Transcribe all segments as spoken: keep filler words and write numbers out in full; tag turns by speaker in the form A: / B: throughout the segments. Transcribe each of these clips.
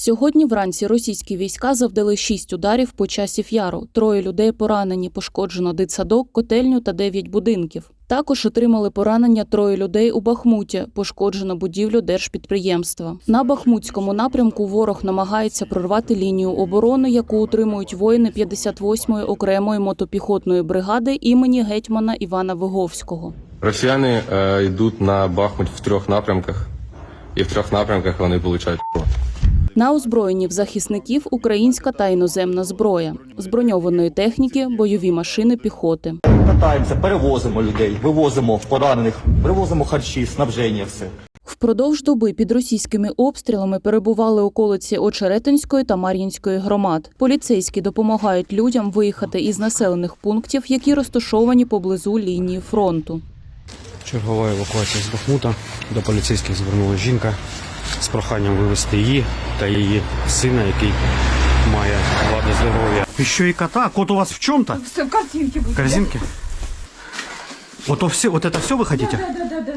A: Сьогодні вранці російські війська завдали шість ударів по Часів Яру. Троє людей поранені, пошкоджено дитсадок, котельню та дев'ять будинків. Також отримали поранення троє людей у Бахмуті, пошкоджено будівлю держпідприємства. На Бахмутському напрямку ворог намагається прорвати лінію оборони, яку утримують воїни п'ятдесят восьмої окремої мотопіхотної бригади імені гетьмана Івана Виговського.
B: Росіяни е, йдуть на Бахмут в трьох напрямках, і в трьох напрямках вони получають.
A: На озброєнні в захисників українська та іноземна зброя, з броньованої техніки, бойові машини піхоти.
C: Катаємося, перевозимо людей, вивозимо поранених, привозимо харчі, снабження, все.
A: Впродовж доби під російськими обстрілами перебували околиці Очеретинської та Мар'їнської громад. Поліцейські допомагають людям виїхати із населених пунктів, які розташовані поблизу лінії фронту.
D: Чергова евакуація з Бахмута. До поліцейських звернулася жінка з проханням вивезти її та її сина, який має вади здоров'я.
E: Еще и кота. Кот у вас в чем-то?
F: Все, картинки будут.
E: Корзинки? Вот, то все, вот это все вы хотите?
F: Да, да, да, да.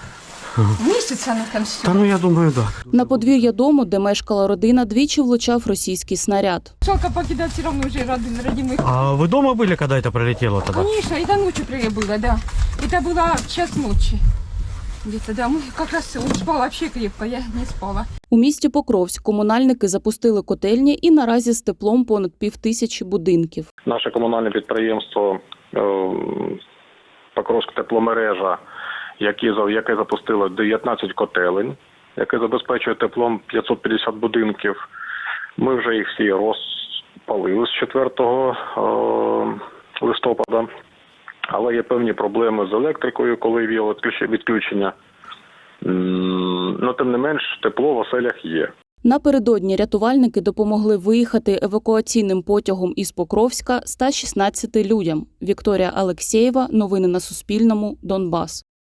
F: Месяц она там все.
E: Да ну я думаю, да.
A: На подвір'я дому, де мешкала родина, двічі влучав російський снаряд.
F: Жалко покидать все равно уже родин, родимых.
E: А вы дома были, когда это пролетело тогда?
F: Конечно, это ночью было, да. Это было в час ночи. Где-то, да, мы как раз он спал вообще крепко, я не спала.
A: У місті Покровськ комунальники запустили котельні і наразі з теплом понад півтисячі будинків.
G: Наше комунальне підприємство «Покровська тепломережа», яке, яке запустило дев'ятнадцять котелень, яке забезпечує теплом п'ятсот п'ятдесят будинків. Ми вже їх всі розпалили з четвертого листопада. Але є певні проблеми з електрикою, коли є відключення. Ну, тим не менш, тепло в оселях є.
A: Напередодні рятувальники допомогли виїхати евакуаційним потягом із Покровська ста шістнадцяти людям. Вікторія Алексєєва. Новини на Суспільному. Донбас.